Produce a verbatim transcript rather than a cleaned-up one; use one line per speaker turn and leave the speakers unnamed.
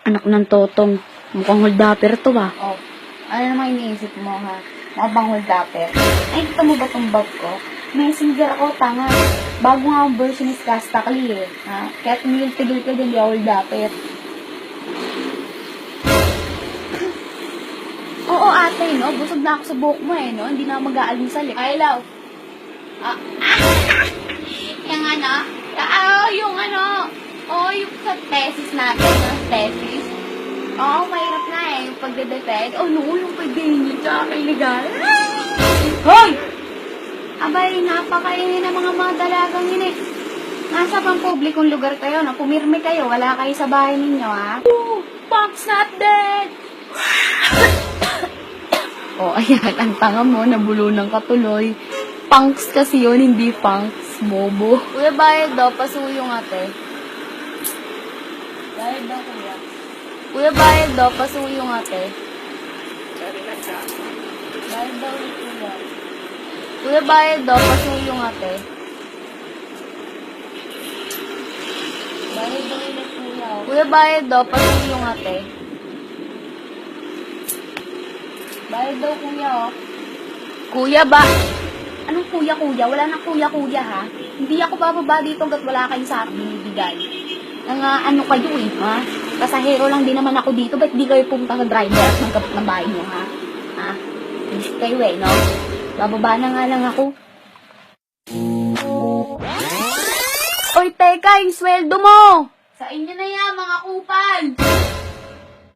Anak ng totong. Mukhang holdapper to ba?
Oh, ano naman iniisip mo, ha? Mga bangol dapper. Ay, kita mo ba tong bag ko? Messenger ako, tanga. Bago nga ang version is Castakli, eh. Ha? Kaya tumigil-tigil ka din, di ako dapper. Oo, ate, no? Busog na ako sa buhok mo, eh, no? Hindi na ako mag-aalmusal, eh. Ay, love. Ah, yung ano? Ah, yung ano? Oh, yung sa thesis natin, no? Thesis. Oo, mahirap na eh, yung pagde-defend. Oh, no, yung pag-ganyan tsaka illegal. Hoy! Abay, napakaingin ng mga mga dalagang yun eh. Nasa pang publikong lugar kayo, no? Pumirme kayo, wala kayo sa bahay ninyo, ha? Oh, Punk's not dead! Oh, ayan, ang tanga mo, nabulunan ka tuloy. Punks kasi yun, hindi punks, bobo. Kuya, bayad daw, pasuyong ate. Bayad daw, kuya. Kuya, bayad daw, pasuyong ate. Bayad daw, kuya. Kuya, bayad daw, pasuyong ate. Bayad daw ulit, kuya. Kuya, bayad daw, pasuyong ate. Bayad daw, kuya, oh. Kuya, ba? Anong kuya, kuya? Wala nang kuya, kuya, ha? Hindi ako bababa dito hanggat wala kayo sa akin binibigay. Nang uh, ano kayo, eh, ha? Pasahero lang din naman ako dito. Ba't di kayo pumunta sa driver at magkapit ng bahay nyo, ha? Ha? Hindi kayo, eh, no? Bababa na nga lang ako. Oy, teka, yung sweldo mo! Sa inyo na yan, mga kupal!